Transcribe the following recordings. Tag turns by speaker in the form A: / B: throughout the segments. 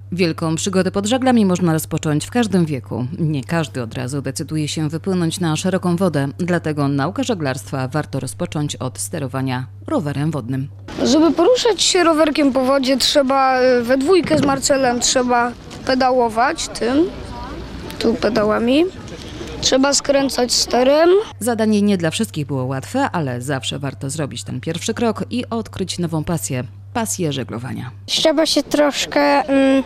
A: Wielką przygodę pod żaglami można rozpocząć w każdym wieku. Nie każdy od razu decyduje się wypłynąć na szeroką wodę, dlatego naukę żeglarstwa warto rozpocząć od sterowania rowerem wodnym.
B: Żeby poruszać się rowerkiem po wodzie, trzeba we dwójkę z Marcelem trzeba pedałować tu pedałami. Trzeba skręcać sterem.
A: Zadanie nie dla wszystkich było łatwe, ale zawsze warto zrobić ten pierwszy krok i odkryć nową pasję żeglowania.
C: Trzeba się troszkę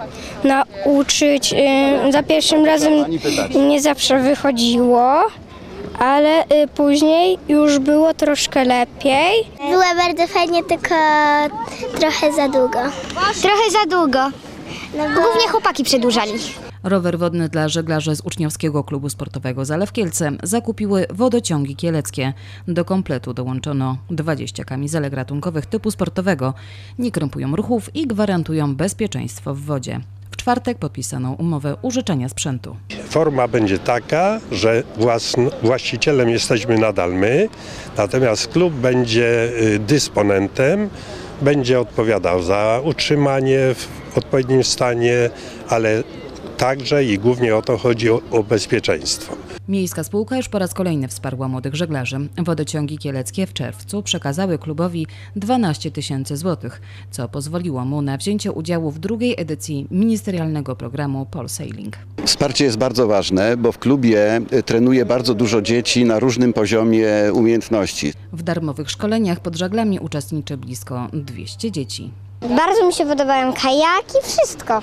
C: nauczyć. Za pierwszym razem nie zawsze wychodziło, ale później już było troszkę lepiej.
D: Było bardzo fajnie, tylko trochę za długo.
C: Trochę za długo. Głównie chłopaki przedłużali.
A: Rower wodny dla żeglarzy z uczniowskiego klubu sportowego Zalew Kielce zakupiły Wodociągi Kieleckie. Do kompletu dołączono 20 kamizelek ratunkowych typu sportowego. Nie krępują ruchów i gwarantują bezpieczeństwo w wodzie. W czwartek podpisano umowę użyczenia sprzętu.
E: Forma będzie taka, że właścicielem jesteśmy nadal my, natomiast klub będzie dysponentem, będzie odpowiadał za utrzymanie w odpowiednim stanie, ale także i głównie o to chodzi o bezpieczeństwo.
A: Miejska spółka już po raz kolejny wsparła młodych żeglarzy. Wodociągi Kieleckie w czerwcu przekazały klubowi 12 000 złotych, co pozwoliło mu na wzięcie udziału w drugiej edycji ministerialnego programu Polsailing.
F: Wsparcie jest bardzo ważne, bo w klubie trenuje bardzo dużo dzieci na różnym poziomie umiejętności.
A: W darmowych szkoleniach pod żaglami uczestniczy blisko 200 dzieci.
C: Bardzo mi się podobają kajaki, wszystko.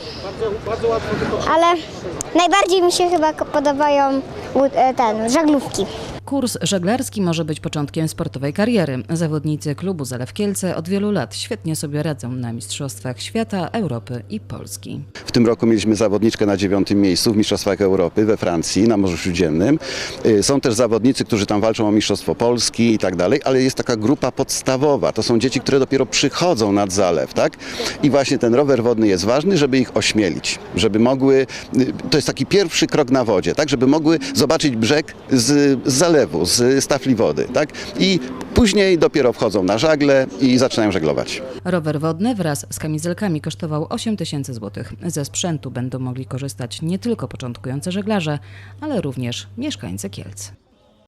C: Ale najbardziej mi się chyba podobają żaglówki.
A: Kurs żeglarski może być początkiem sportowej kariery. Zawodnicy klubu Zalew Kielce od wielu lat świetnie sobie radzą na Mistrzostwach Świata, Europy i Polski.
F: W tym roku mieliśmy zawodniczkę na 9. miejscu w Mistrzostwach Europy we Francji na Morzu Śródziemnym. Są też zawodnicy, którzy tam walczą o Mistrzostwo Polski i tak dalej, ale jest taka grupa podstawowa. To są dzieci, które dopiero przychodzą nad zalew, tak? I właśnie ten rower wodny jest ważny, żeby ich ośmielić, żeby mogły, to jest taki pierwszy krok na wodzie, tak? Żeby mogły zobaczyć brzeg z zalewu, z stafli wody, tak? I później dopiero wchodzą na żagle i zaczynają żeglować.
A: Rower wodny wraz z kamizelkami kosztował 8 000 złotych. Ze sprzętu będą mogli korzystać nie tylko początkujący żeglarze, ale również mieszkańcy Kielc.